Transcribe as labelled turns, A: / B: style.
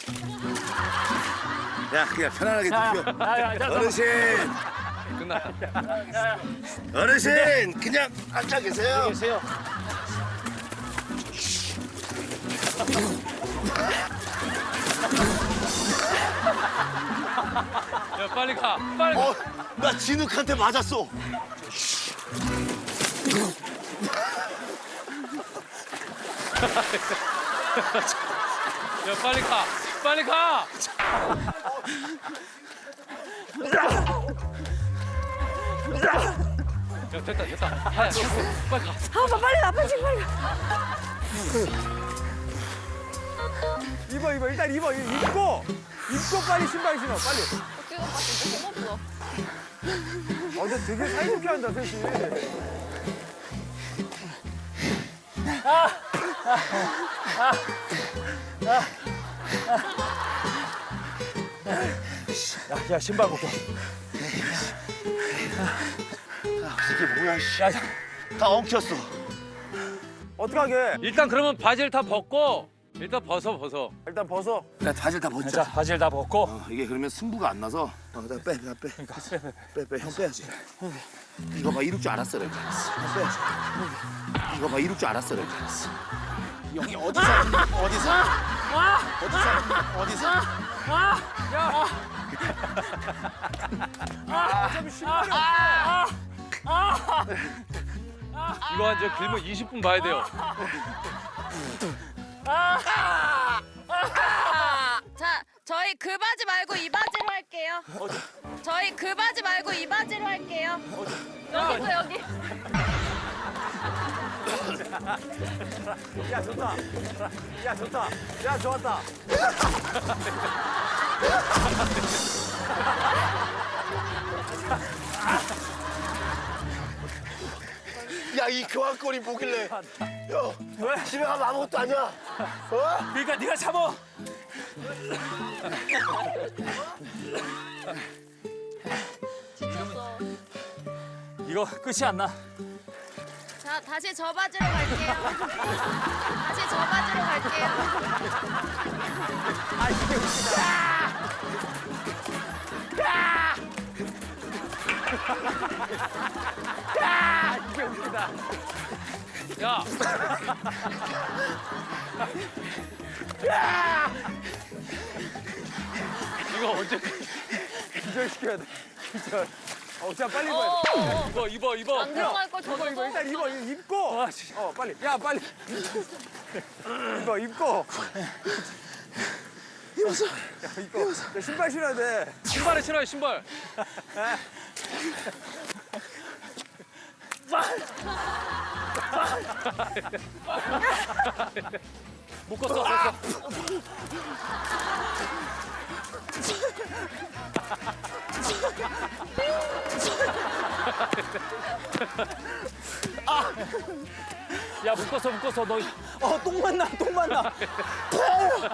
A: 야, 그냥 편안하게 눕혀. 어르신,
B: 끝나.
A: 어르신, 그냥 앉아 계세요.
B: 계세요. 야, 빨리 가. 빨리 가.
A: 나 진흙한테 맞았어.
B: 야, 빨리 가. 빨리 가. 야, 됐다, 됐다. 하야, 빨리 가.
C: 아빠 빨리 가, 빨리 빨리 가.
D: 입어 일단 입어 입고 빨리 신발 신어 빨리.
C: 지금 봤을 때 너무 없어.
D: 근데 되게 사이좋게 한다 셋이. 야 신발 벗고.
A: 이게 뭐야, 씨. 다 엉켰어.
D: 어떡하게?
B: 일단 그러면 바지를 다 벗고 일단 벗어.
D: 일단 벗어.
A: 야, 바지를 다 벗자.
D: 바지를 다 벗고.
A: 이게 그러면 승부가 안 나서. 나 빼. 빼. 형 빼야지. 이거 봐, 이럴 줄 알았어, 내가. 형 빼야지. 이거 봐, 이럴 줄 알았어, 내가. 형이 어디서?
D: 어차피 신발이 없어.
B: 이거 한 저 길면 20분 봐야 돼요.
C: 자, 저희 그 바지 말고 이 바지로 할게요. 저희 그 바지 말고 이 바지로 할게요. 여기서 여기.
D: 야 좋다. 야 좋다. 야 좋았다.
A: 야, 이 교환권이 뭐길래? 형, 집에 가면 아무것도 아니야. 어?
D: 그러니까 네가 잡어. 이거 끝이 안 나.
C: 자, 다시 저 바지로 갈게요. 다시 저 바지로 갈게요.
D: 아 이게 웃기다. 이게 웃기다.
B: 야, 이거 언제
D: 기절시켜야 돼. 기절. 자 빨리 입어야 돼.
B: 입어.
C: 안 들어갈 걸
D: 이거
C: 저거.
D: 일단 입고. 빨리. 야 빨리. 입고. 입었어. 야 입고. 야, 신발 신어야 돼.
B: 신발에 신어요, 신발. 묶었어. 야, 묶었어. 너.
D: 똥만 나.